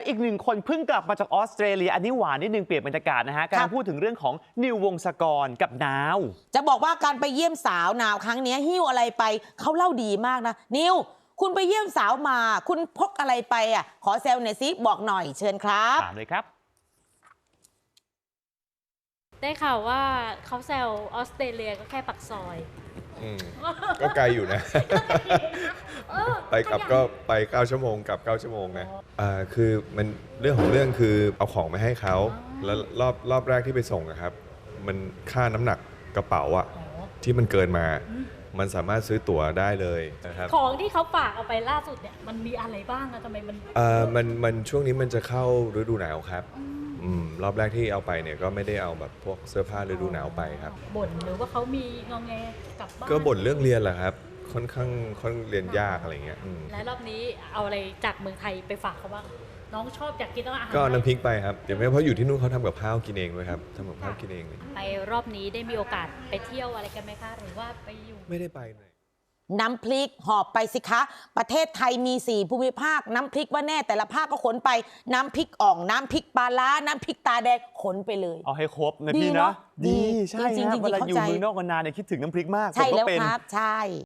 อีกหนึ่งคนเพิ่งกลับมาจากออสเตรเลียอันนี้หวานนิดนึงเปลี่ยนบรรยากาศนะฮะกำลังพูดถึงเรื่องของนิววงศกรกับนาวจะบอกว่าการไปเยี่ยมสาวนาวครั้งนี้หิ้วอะไรไปเขาเล่าดีมากนะนิวคุณไปเยี่ยมสาวมาคุณพกอะไรไปอ่ะขอแซวหน่อยซิบอกหน่อยเชิญครับถามเลยครับได้ข่าวว่าเขาแซวออสเตรเลียก็แค่ปักซอยก็ไกลอยู่นะ ไปกลับก็ไป9 ชั่วโมงกลับ9 ชั่วโมงนะคือมันเรื่องของเรื่องคือเอาของมาให้เขาแล้วรอบแรกที่ไปส่งนะครับมันค่าน้ำหนักกระเป๋าอะที่มันเกินมามันสามารถซื้อตั๋วได้เลยนะครับของที่เขาฝากเอาไปล่าสุดเนี่ยมันมีอะไรบ้างอะทำไมมันช่วงนี้มันจะเข้าฤดูหนาวครับรอบแรกที่เอาไปเนี่ยก็ไม่ได้เอาแบบพวกเสื้อผ้าฤดูหนาวไปครับบ่นหรือว่าเขามีงอแงกลับบ้านก็บ่นเรื่องเรียนแหละครับค่อนข้างเรียนยากอะไรเงี้ยและรอบนี้เอาอะไรจากเมืองไทยไปฝากเขาบ้างน้องชอบอยากกินอาหารก็น้ำพริกไปครับเดี๋ยวไม่เพราะอยู่ที่นู่นเขาทำกับข้าวกินเองด้วยครับทำกับข้าวกินเองเลยไปรอบนี้ได้มีโอกาสไปเที่ยวอะไรกันไหมคะหรือว่าไปอยู่ไม่ได้ไปเลยน้ำพริกหอบไปสิคะประเทศไทยมี4ภูมิภาคน้ำพริกว่าแน่แต่ละภาคก็ขนไปน้ำพริกอ่องน้ำพริกปลาร้าน้ำพริกตาแดงขนไปเลยเอาให้ครบนะพี่นะดีใช่ครับเวลาอยู่เมืองนอกนานเนี่ยคิดถึงน้ำพริกมากใช่แล้วครับใช่